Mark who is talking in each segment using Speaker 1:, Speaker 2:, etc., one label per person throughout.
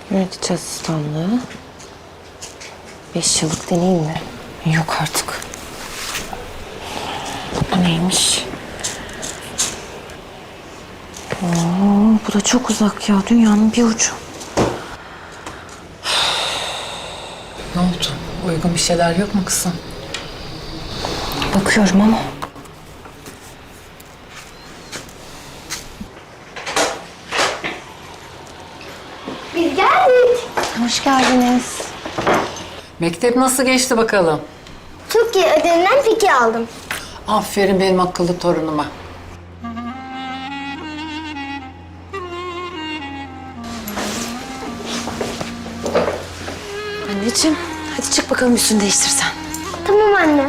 Speaker 1: Yönetici asistanlığı. 5 yıllık deneyim mi? Yok artık. Bu neymiş? Oo, bu da çok uzak ya. Dünyanın bir ucu.
Speaker 2: Ne oldu? Uygun bir şeyler yok mu kızım?
Speaker 1: Bakıyorum ama.
Speaker 3: Biz geldik.
Speaker 1: Hoş geldiniz.
Speaker 2: Mektep nasıl geçti bakalım?
Speaker 3: Çok iyi ödevimden fikir aldım.
Speaker 2: Aferin benim akıllı torunuma.
Speaker 1: Anneciğim, hadi çık bakalım üstünü değiştirsen.
Speaker 3: Tamam anne.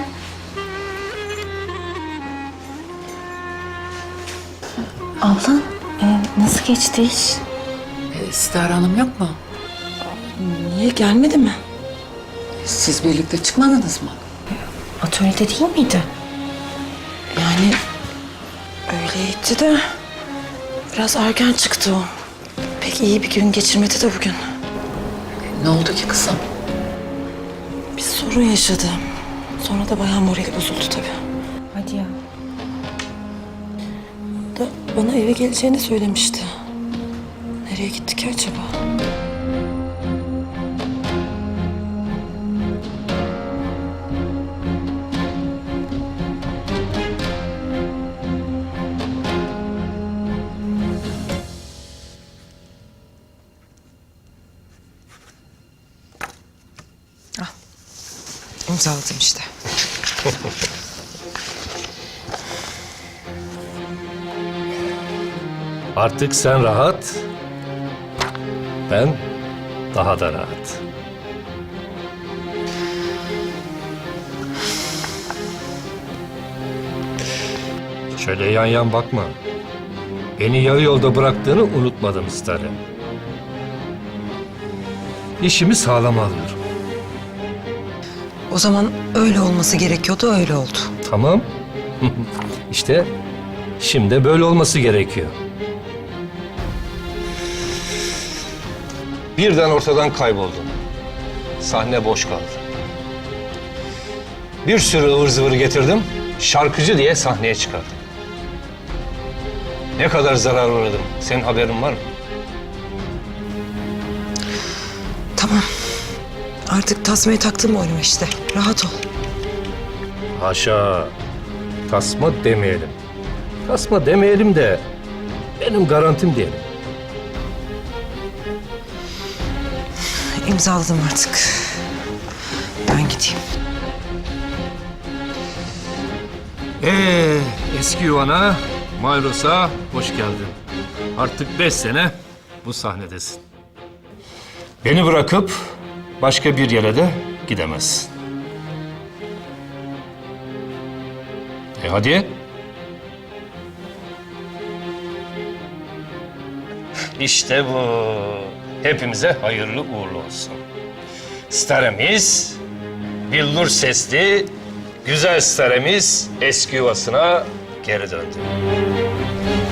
Speaker 1: Ablan, nasıl geçti iş?
Speaker 2: Sitare Hanım yok mu?
Speaker 1: Niye gelmedi mi?
Speaker 2: Siz birlikte çıkmadınız mı?
Speaker 1: Atölyede değil miydi? Yani öyleydi de biraz erken çıktı o. Pek iyi bir gün geçirmedi de bugün.
Speaker 2: Ne oldu ki kızım?
Speaker 1: Bir sorun yaşadı. Sonra da bayağı morali bozuldu tabii. Hadi ya. Da bana eve geleceğini söylemişti. Nereye gitti ki acaba?
Speaker 4: İmzaladım işte.
Speaker 5: Artık sen rahat, ben daha da rahat. Şöyle yan yan bakma. Beni yarı yolda bıraktığını unutmadım Stare. İşimi sağlam alıyorum.
Speaker 4: O zaman öyle olması gerekiyordu, öyle oldu.
Speaker 5: Tamam. İşte şimdi böyle olması gerekiyor. Birden ortadan kayboldun. Sahne boş kaldı. Bir sürü ıvır zıvır getirdim. Şarkıcı diye sahneye çıkardım. Ne kadar zarar uğradım. Senin haberin var mı?
Speaker 4: Tamam. Artık tasmayı taktım oyunuma işte. Rahat ol.
Speaker 5: Haşa. Tasma demeyelim. Tasma demeyelim de benim garantim diyelim.
Speaker 4: İmzaladım artık. Ben gideyim.
Speaker 5: Eski yuvana, Mayros'a hoş geldin. Artık 5 sene bu sahnedesin. Beni bırakıp başka bir yere de gidemezsin. Hadi. İşte bu. Hepimize hayırlı uğurlu olsun. Staremiz, billur sesli, güzel staremiz eski yuvasına geri döndü.